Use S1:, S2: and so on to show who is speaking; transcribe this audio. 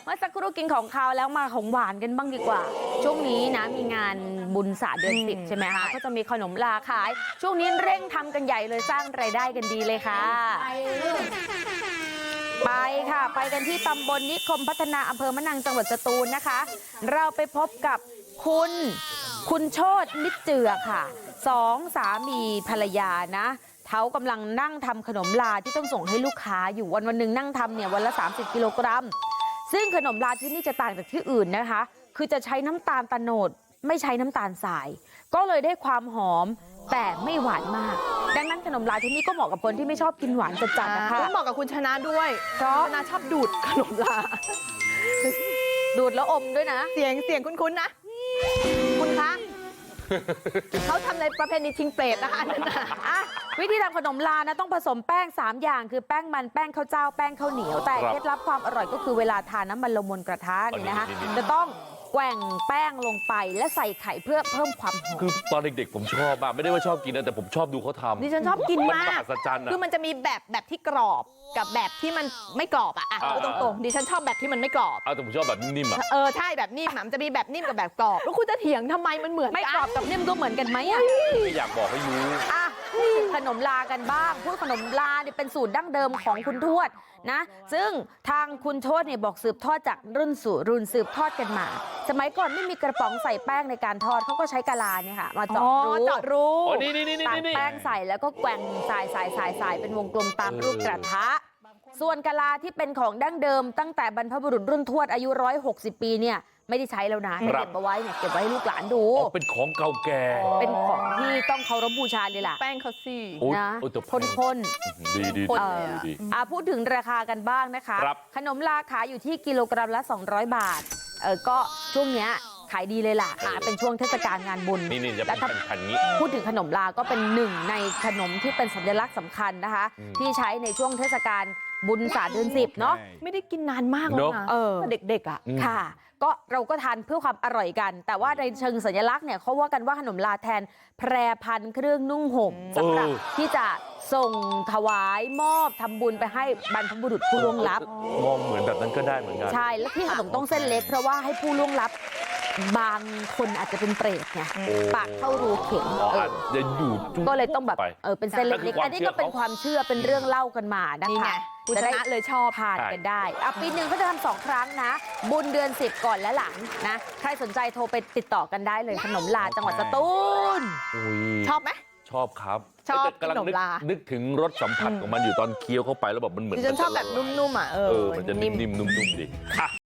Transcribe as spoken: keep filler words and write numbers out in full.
S1: มื่อสักครู่กินของคาวแล้วมาของหวานกันบ้างดีกว่าช่วงนี้นะมีงานบุญศาสตร์เดือนสิบใช่ไหมคะก็จะมีขนมลาขายช่วงนี้เร่งทำกันใหญ่เลยสร้างรายได้กันดีเลยค่ะไปค่ะไปกันที่ตำบลนิคมพัฒนาอำเภอมะนังจังหวัดสตูลนะคะเราไปพบกับคุณคุณโชติมิตรเจือค่ะสองสามีภรรยานะเขากำลังนั่งทำขนมลาที่ต้องส่งให้ลูกค้าอยู่วันวันหนึ่งนั่งทำเนี่ยวันละสามสิบกิโลกรัมซึ่งขนมลาที่นี่จะต่างจากที่อื่นนะคะคือจะใช้น้ำตาลตะโนดไม่ใช้น้ำตาลทรายก็เลยได้ความหอมแต่ไม่หวานมากดังนั้นขนมลาที่นี่ก็เหมาะกับคนที่ไม่ชอบกินหวานจัดๆนะคะ
S2: เหมาะกับคุณชนะด้วยเพราะชนะชอบดูดขนมลา
S1: ดูดแล้วอมด้วยนะ
S2: เสียงเสียงคุ้นๆนะคุณคะเขาทำในประเพณีชิงเปรตนะคะนั่นนะ
S1: วิธีทำขนมลานะต้องผสมแป้งสามอย่างคือแป้งมันแป้งข้าวเจ้าแป้งข้าวเหนียวแต่เคล็ดลับความอร่อยก็คือเวลาทานน้ำมันลงบนกระทะนี่นะคะจะต้องแกว่งแป้งลงไปและใส่ไข่เพื่อเพิ่มความหอม
S3: คือตอนเด็กๆผมชอบมากไม่ได้ว่าชอบกินนะแต่ผมชอบดูเขาทำ
S2: ดิฉันชอบกินมาก
S3: คื
S2: อมันจะมีแบบแบบที่กรอบกับแบบที่มันไม่กรอบอ่ะอ่ะพูดตรงๆดิฉันชอบแบบที่มันไม่กรอบ
S3: อ้าวแต่ผมชอบแบบนิ่มๆอ่ะ
S2: เออใช่แบบนิ่มมันจะมีแบบนิ่มกับแบบกรอบแล้วคุณจะเถียงทำไมมันเหมือน
S1: ไม่กรอบกับนิ่มก็เหมือนกันไหมอ่ะ
S3: ไม่อยากบอกให้รู้
S1: อ่ะขนมลากันบ้างพูดขนมลาเนี่ยเป็นสูตรดั้งเดิมของคุณทวดนะซึ่งทางคุณทวดเนี่ยบอกสืบทอดจากรุ่นสู่รุ่นสืบทอดกันมาสมัยก่อนไม่มีกระป๋องใส่แป้งในการทอดเขาก็ใช้กะลาเนี่ยค่ะมาเจาะรู
S2: เจาะรู
S1: ตักแป้งใส่แล้วก็แกว่งสายสายสายสายเป็นวงกลมตามรูปกระทะส่วนกะลาที่เป็นของดั้งเดิมตั้งแต่บรรพบุรุษรุ่นทวดอายุร้อยหกสิบปีเนี่ยไม่ได้ใช้แล้วนะเก็บเอาไว้เนี่ยเก็บไว้ให้ลูกหลานดู
S3: เป็นของเก่าแก่
S1: เป็นของที่ต้องเคารพบูชาเลยล่ะ
S2: แป้งเขาสิ
S1: นะข้น
S3: ๆดีดีดี
S1: อ่าพูดถึงราคากันบ้างนะคะขนมลาขายอยู่ที่กิโลกรัมละสองร้อยบาทเออก็ช่วงเนี้ยขายดีเลยล่ะเป็นช่วงเทศกาลงานบุญ
S3: นี่ๆจะเป็นพันๆนี้
S1: พูดถึงขนมลาก็เป็นหนึ่งในขนมที่เป็นสัญลักษณ์สำคัญนะคะที่ใช้ในช่วงเทศกาลบุญศาสตร์เดือนสิบเนาะ
S2: ไม่ได้กินนานมากแล้วนะเด็กๆอ่ะ
S1: ค่ะก็เราก็ทานเพื่อความอร่อยกันแต่ว่าในเชิงสัญลักษณ์เนี่ยเขาว่ากันว่าขนมลาแทนแพรพันเครื่องนุ่งห่มสำหรับที่จะส่งถวายมอบทำบุญไปให้บรรพบุรุษผู้ล่วงลับ
S3: มองเหมือนแบบนั้นก็ได้เหมือนกัน
S1: ใช่แล้วที่ขนมต้องเส้นเล็กเพราะว่าให้ผู้ล่วงลับบางคนอาจจะเป็นเปรตไงปากเข้ารูเข็ม
S3: จะอยู่
S1: ก็เลยต้องแบบเออเป็นเส้นเล็กๆอันนี้ก็เป็นความเชื่อเป็นเรื่องเล่ากันมานะคะ
S2: จะได้เลยชอบ
S1: ทานกันได้อ่ะปีหนึ่งก็จะทำสองครั้งนะบุญเดือนสิบก่อนและหลังนะใครสนใจโทรไปติดต่อกันได้เลยขนมลาจังหวัดสตูล
S2: ชอบไหม
S3: ชอบครับ
S2: ชอบขนมลา
S3: นึกถึงรสสัมผัสของมันอยู่ตอนเคี้ยวเข้าไปแล้วแบบมันเหมือน
S2: ดิฉันชอบแบบนุ่มๆอ่ะเออ
S3: มันจะนิ่มๆนุ่มๆดี